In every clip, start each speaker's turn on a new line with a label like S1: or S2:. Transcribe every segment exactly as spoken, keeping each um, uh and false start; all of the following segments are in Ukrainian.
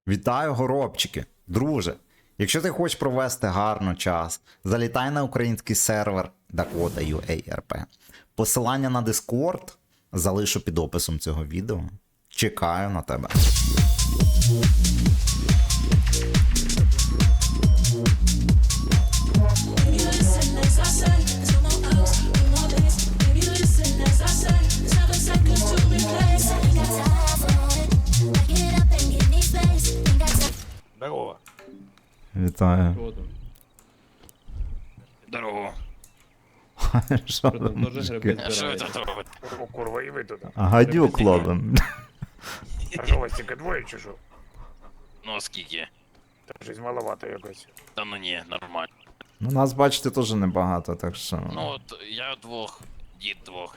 S1: Вітаю, горобчики! Друже, якщо ти хочеш провести гарно час, залітай на український сервер Dakota.ua.rp. Посилання на Discord залишу під описом цього відео. Чекаю на тебе.
S2: Здорово.
S1: Вітаю.
S3: Що там?
S2: Здорово.
S1: Що
S3: Що там,
S1: там,
S3: теж
S1: мужики?
S3: гриби
S2: А що ви
S3: збираєте?
S2: тут робите? О, курва, і ви тут.
S1: А гадюк ловим.
S2: А що у вас тільки двоє чи що?
S4: Ну, а скільки?
S2: Та щось маловато якось.
S4: Та ну ні, нормально.
S1: Ну, нас, бачите, теж небагато, так що...
S4: Ну, от я двох, дід двох.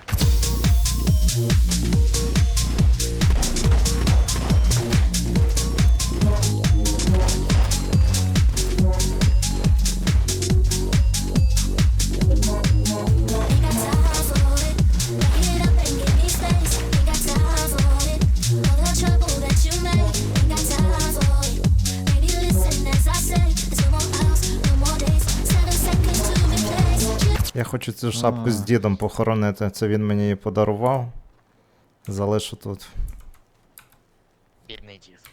S1: Я хочу цю шапку з дідом похоронити, це він мені її подарував. Залишу тут.
S4: Бідний дід.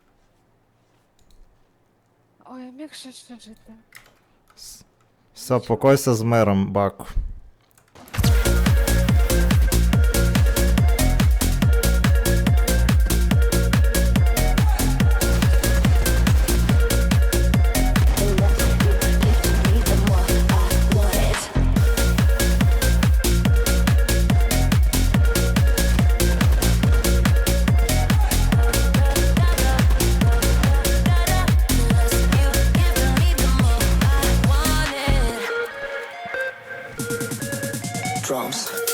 S5: Ой, міг ще ще жити.
S1: Все, покойся з миром, Баку.
S6: Drums.